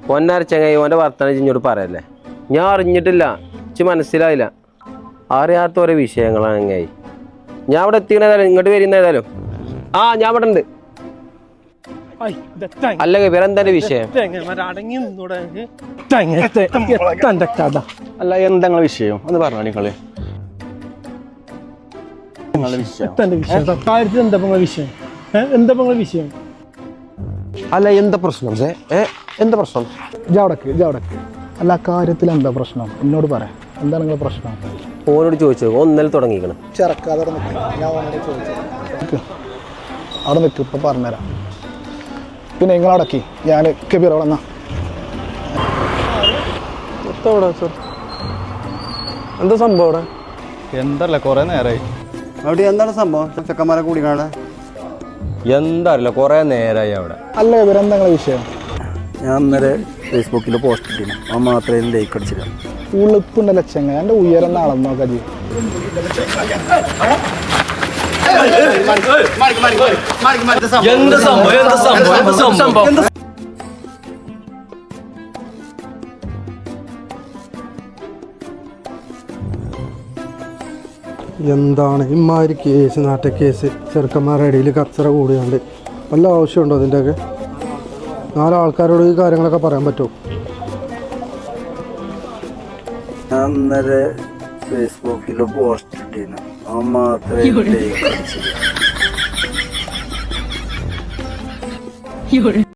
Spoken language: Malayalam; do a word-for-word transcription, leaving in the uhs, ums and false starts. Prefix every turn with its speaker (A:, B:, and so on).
A: പൊന്നാര ചങ്ങായി ഓൻ്റെ വർത്തമാനം ഇഞ്ഞോട് പറയല്ലേ. ഞാൻ അറിഞ്ഞിട്ടില്ല, ഇച്ച് മനസ്സിലായില്ല. അറിയാത്ത ഓരോ വിഷയങ്ങളാണ് ചങ്ങായി. ഞാൻ ഇവിടെ എത്തിക്കണേതായാലും ഇങ്ങോട്ട് വരുന്ന ഏതായാലും ആ ഞാൻ ഇവിടെ ഉണ്ട്. അല്ലെങ്കിൽ വേറെന്താ വിഷയം?
B: അല്ല എന്താ വിഷയം ഒന്ന് പറഞ്ഞോ നിങ്ങള്.
C: വിഷയം എന്താ വിഷയം
B: അല്ല എന്താ പ്രശ്നം? എന്താ പ്രശ്നം?
C: ജാവടക്ക് ജാവടക്ക് അല്ല കാര്യത്തിൽ എന്താ പ്രശ്നം എന്നോട് പറയാം. എന്താ നിങ്ങളെ പ്രശ്നം?
A: ഓനോട് ചോദിച്ചു. ഒന്നൽ തുടങ്ങിക്കണം.
C: ചെറുക്കാതെ അവിടെ നിൽക്ക്, ഇപ്പൊ പറഞ്ഞുതരാം. പിന്നെ നിങ്ങളടക്കി ഞാൻ കബീർ അവിടെ എന്നാ
B: എന്താ സംഭവം അവിടെ?
D: എന്തല്ല കൊറേ നേരമായി
B: അവിടെ. എന്താണ് സംഭവം? ചെക്കന്മാരെ കൂടി കാണാൻ
D: എന്താ അറിയില്ല, കൊറേ നേരമായി അവിടെ.
C: അല്ല കബീർ എന്താ നിങ്ങളെ വിഷയം?
B: ഞാൻ ഇന്നലെ ഫേസ്ബുക്കിൽ പോസ്റ്റ് ഇട്ടിരുന്നു. ആ മാത്രമേ ലൈക്ക് അടിച്ചില്ല.
C: ഉളുപ്പുണ്ടല്ലോ ചെങ്ങ, എൻ്റെ ഉയരം അളന്ന് നോക്കാം ജി.
E: എന്താണ് ഇമാതിരി കേസ്, നാട്ട കേസ്, ചെറുക്കന്മാരുടെ ഇടയിൽ കച്ചറ കൂടിയാണ്ട് വല്ല ആവശ്യമുണ്ടോ അതിൻ്റെയൊക്കെ? നാലാൾക്കാരോട് ഈ കാര്യങ്ങളൊക്കെ പറയാൻ പറ്റുമോ?
B: ഞാൻ ഇന്നലെ ഫേസ്ബുക്കിൽ പോസ്റ്റ് ഇട്ടിരുന്നു. ആ മാത്രമേ ലൈക്ക് അടിച്ചില്ല.